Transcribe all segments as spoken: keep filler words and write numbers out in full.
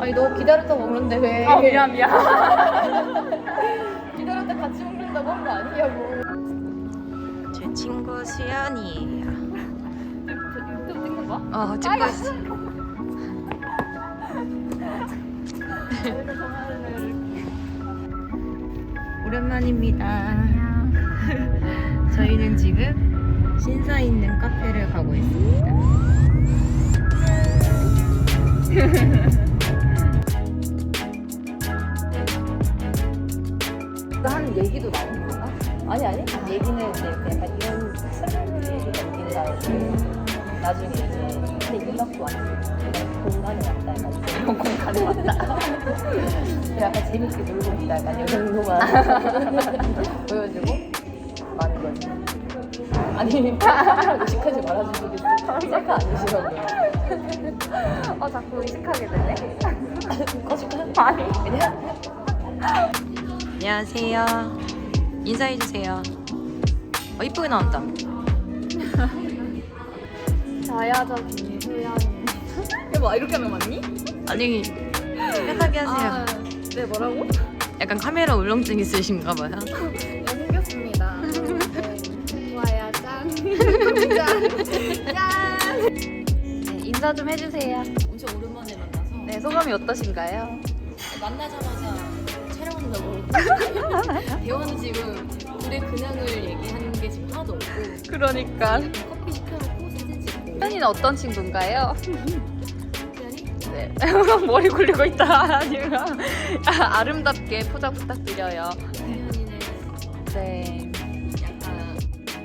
아니 너 기다렸다 먹는데 왜? 아 미안 미안. 기다렸다 같이 먹는다고 한 거 아니냐고. 제 친구 수연이에요. 유튜브 찍는 거야? 어 찍고 있어. 오랜만입니다. 저희는 지금 신사 있는 카페를 가고 있습니다. 한 얘기도 나오는 건가? 아니 아니 얘기는 이제 약간 이런 설명을 남긴다 이렇게 나중에 이제 근데 음악도 왔고 공간에 왔다 약간 이런 공간에 왔다 약간 재밌게 놀고 있다 약간 이 정도만 보여주고 많은 거지. 아니 의식하지 말아주시겠어? 셀카 아니시라고요? 어 자꾸 의식하게 되네. 거짓말? 아니. 그냥 안녕하세요. 인사해주세요. 어 이쁘게 나온다. 자야저 김수연이 뭐 이렇게 하면 맞니? 아니 편하게 하세요. 아, 네 뭐라고? 약간 카메라 울렁증 있으신가 봐요. 네, 생겼습니다. 좋아요, 짠. 짠. 네, 인사 좀 해주세요. 엄청 오랜만에 만나서 네, 소감이 어떠신가요? 만나자마자 촬영한다고 대화는 지금 둘의 근황을 얘기하는 게 지금 하나도 없고 그러니까. 커피 시켜놓고 사진 찍고 수연이는 어떤 친구인가요? 특별히 네. 머리 굴리고 있다. 아니면 아, 아름답게 포장 부탁드려요. 수연이는 네. 약간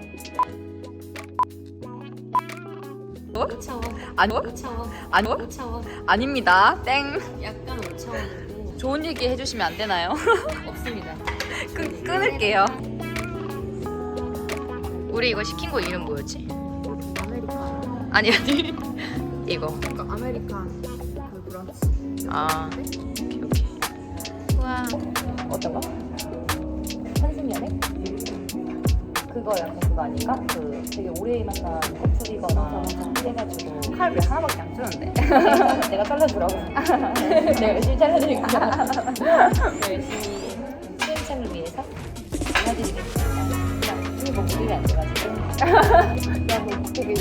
뭐? 오차원 아니요? 오차원 아니요? 오차원 아닙니다. 땡. 약간 오차원이고 좋은 얘기 해주시면 안 되나요? 없습니다. 끊, 끊을게요. 우리 이거 시킨 거 이름 뭐였지? 아메리칸 아니 아니 이거. 그러니까 아메리칸 그 브런치 아 오케이 오케이. 우와. 어떤 거? 한승연애? 그거 약간 그거 아닌가? 그 되게 오래 만난 커플이거나 해가지고 칼 왜 하나밖에 안 쓰는데? 내가 잘라주라고. 내가 열심히 잘라드릴게요. 열심히 수행창을 위해서 잘라드리겠습니다. 이게 뭐 무리가 안 돼가지고. 너무 되게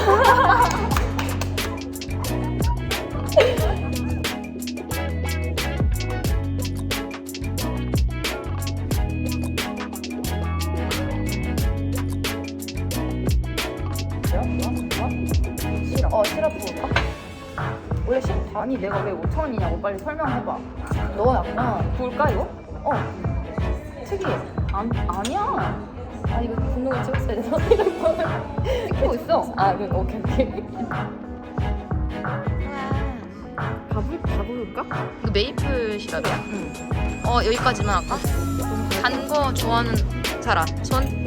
싫어. 어, 시럽 부을까? 원래 시럽 아니 내가 왜 오천 원이냐고 빨리 설명해봐. 너 약간 부을까 이거? 어. 특이해. 안 아니야. 아 이거 분노를 찍었어야 돼서 찍고 있어. 아 그 오케이 오케이. 가볼 가볼까? 이거 메이플 시럽이야? 응. 어 여기까지만 할까? 단 거 좋아하는 사람 손.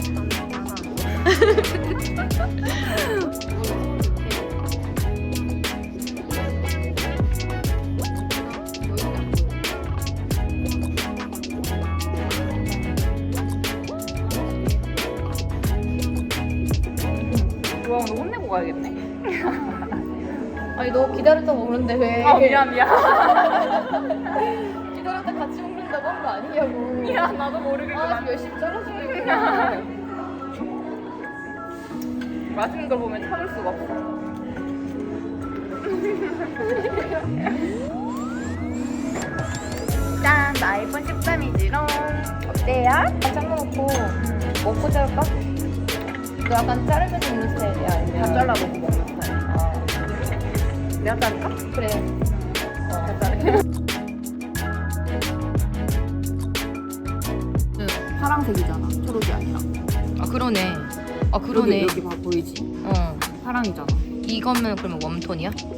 좋아 오늘 혼내고 가야겠네. 아니 너 기다렸다 먹는데 왜? 아 미안 미안. 기다렸다 같이 먹는다고 한 거 아니냐고. 미안 나도 모르게 아 지금 열심히 잘라주고 있구나. 맛있는 걸 보면 참을 수가 없어. 짠! 나 아이폰 십삼이지롱. 어때요? 잘라놓고 먹고 자를까? 너 약간 자르면서 먹는 스타일이야? 아니면 다 잘라놓고 먹는 스타일. 아, 내가 자를까? 그래. 어, 다 자르게. 파란색이잖아. 초록이 아니라. 아 그러네. 아 그러네. 여기, 여기 봐 보이지? 어 파랑이잖아. 이거면 그러면 웜톤이야?